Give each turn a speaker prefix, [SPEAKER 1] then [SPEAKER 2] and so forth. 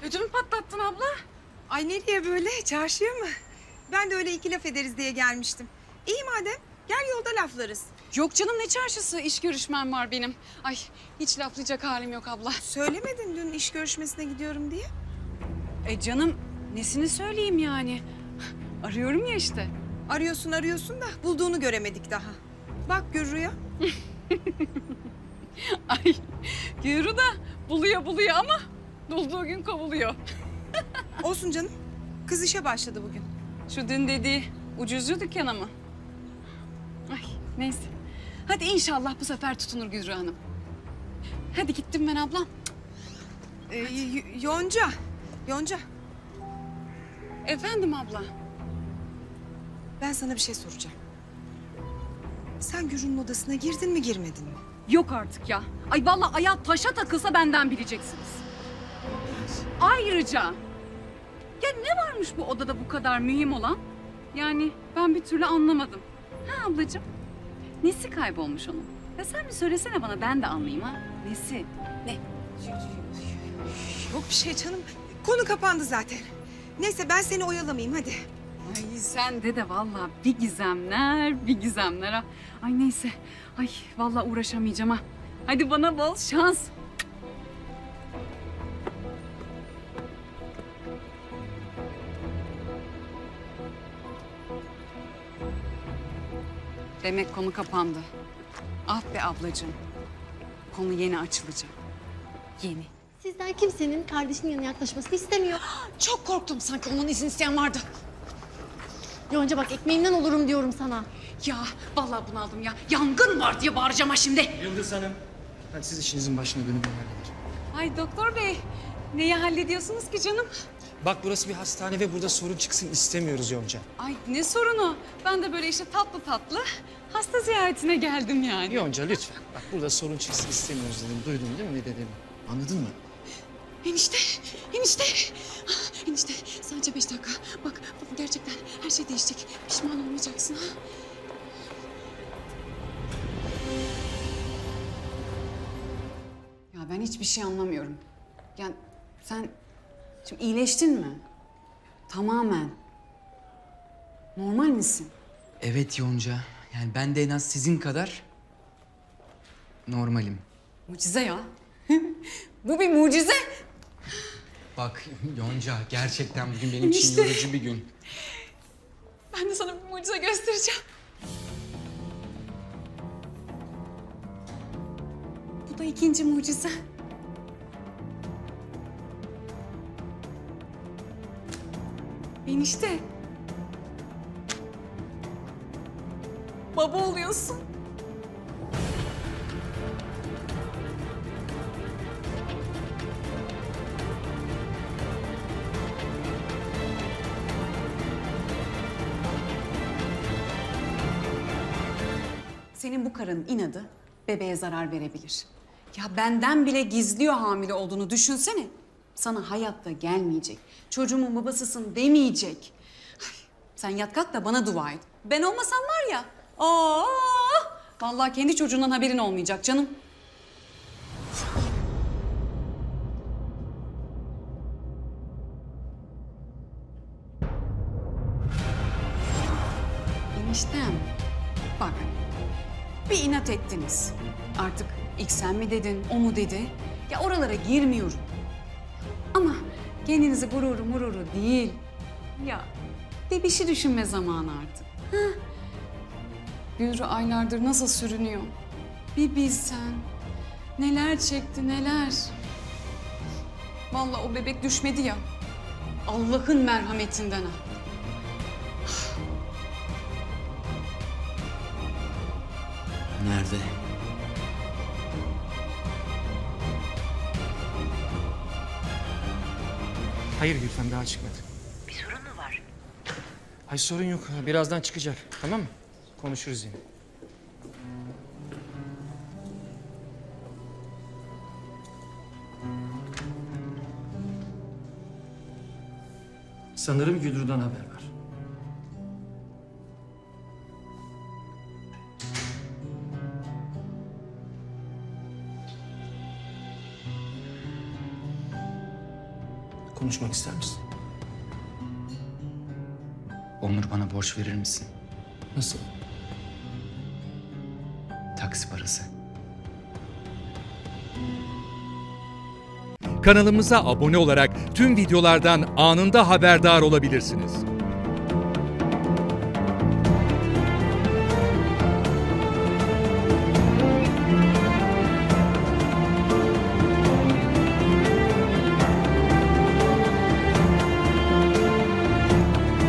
[SPEAKER 1] Ödümü patlattın abla.
[SPEAKER 2] Ay nereye böyle? Çarşıya mı? Ben de öyle iki laf ederiz diye gelmiştim. İyi madem. Gel yolda laflarız.
[SPEAKER 1] Yok canım, ne çarşısı? İş görüşmem var benim. Ay hiç laflayacak halim yok abla.
[SPEAKER 2] Söylemedin dün iş görüşmesine gidiyorum diye.
[SPEAKER 1] Canım, nesini söyleyeyim yani? Arıyorum ya işte.
[SPEAKER 2] Arıyorsun da bulduğunu göremedik daha. Bak Gürrü'ye.
[SPEAKER 1] Ay Gürü da buluyor ama bulduğu gün kovuluyor.
[SPEAKER 2] Olsun canım. Kız işe başladı bugün.
[SPEAKER 1] Şu dün dediği ucuzcu dükkana mı? Ay neyse. Hadi inşallah bu sefer tutunur Gülru Hanım. Hadi gittim ben ablam.
[SPEAKER 2] Yonca.
[SPEAKER 1] Efendim abla.
[SPEAKER 2] Ben sana bir şey soracağım. Sen Gürrü'nün odasına girdin mi girmedin mi?
[SPEAKER 1] Yok artık ya. Ay vallahi ayağı taşa takılsa benden bileceksiniz. Ayrıca ya ne varmış bu odada bu kadar mühim olan? Yani ben bir türlü anlamadım. Ha ablacığım? Nesi kaybolmuş onun? Ya sen bir söylesene bana, ben de anlayayım ha. Nesi? Ne?
[SPEAKER 2] Yok bir şey canım. Konu kapandı zaten. Neyse ben seni oyalamayayım hadi.
[SPEAKER 1] Ay sende de vallahi bir gizemler ha. Ay neyse. Ay vallahi uğraşamayacağım ha. Hadi bana bol şans. Demek konu kapandı. Ah be ablacığım. Konu yeni açılacak. Yeni.
[SPEAKER 3] Sizden kimsenin kardeşinin yanına yaklaşmasını istemiyor.
[SPEAKER 1] Çok korktum, sanki onun izin isteyen vardı.
[SPEAKER 3] Yonca bak, ekmeğimden olurum diyorum sana.
[SPEAKER 1] Ya vallahi bunaldım ya. Yangın var diye bağıracağım ha şimdi.
[SPEAKER 4] Yıldız Hanım. Hadi siz işinizin başına dönün, ben hallederim.
[SPEAKER 1] Ay doktor bey, neyi hallediyorsunuz ki canım?
[SPEAKER 4] Bak burası bir hastane ve burada sorun çıksın istemiyoruz Yonca.
[SPEAKER 1] Ay ne sorunu? Ben de böyle işte tatlı tatlı hasta ziyaretine geldim yani.
[SPEAKER 4] Yonca lütfen. Bak burada sorun çıksın istemiyoruz dedim. Duydun değil mi ne dediğimi? Anladın mı?
[SPEAKER 1] Enişte. Ah, enişte sadece 5 dakika. Bak gerçekten her şey değişecek. Pişman olmayacaksın ha. Ya ben hiçbir şey anlamıyorum. Yani sen şimdi iyileştin mi? Tamamen. Normal misin?
[SPEAKER 5] Evet Yonca. Yani ben de en az sizin kadar normalim.
[SPEAKER 1] Mucize ya. Bu bir mucize.
[SPEAKER 5] Bak Yonca, gerçekten bugün benim için
[SPEAKER 1] İşte.
[SPEAKER 5] yorucu bir gün.
[SPEAKER 1] Ben de sana bir mucize göstereceğim. Bu da ikinci mucize. Enişte. Baba oluyorsun. Senin bu karının inadı bebeğe zarar verebilir. Ya benden bile gizliyor hamile olduğunu, düşünsene. Sana hayatta gelmeyecek. Çocuğumun babasısın demeyecek. Ay, sen yat kalk da bana dua et. Ben olmasam var ya. Vallahi kendi çocuğundan haberin olmayacak canım. Eniştem. Bak. Bir inat ettiniz. Artık ilk sen mi dedin, o mu dedi? Ya oralara girmiyorum. Ama kendinizi gururu değil. Ya bebişi düşünme zamanı artık. Hah. Gülru aylardır nasıl sürünüyor? Bir bilsen. Neler çekti, neler. Vallahi o bebek düşmedi ya. Allah'ın merhametinden ha.
[SPEAKER 5] Nerede?
[SPEAKER 4] Hayır Gülfem, daha çıkmadı.
[SPEAKER 6] Bir sorun mu var?
[SPEAKER 4] Hayır sorun yok. Birazdan çıkacak. Tamam mı? Konuşuruz yine. Sanırım Gülru'dan haber var. Konuşmak ister misin?
[SPEAKER 5] Onur bana borç verir misin?
[SPEAKER 4] Nasıl?
[SPEAKER 5] Taksi parası.
[SPEAKER 6] Kanalımıza abone olarak tüm videolardan anında haberdar olabilirsiniz.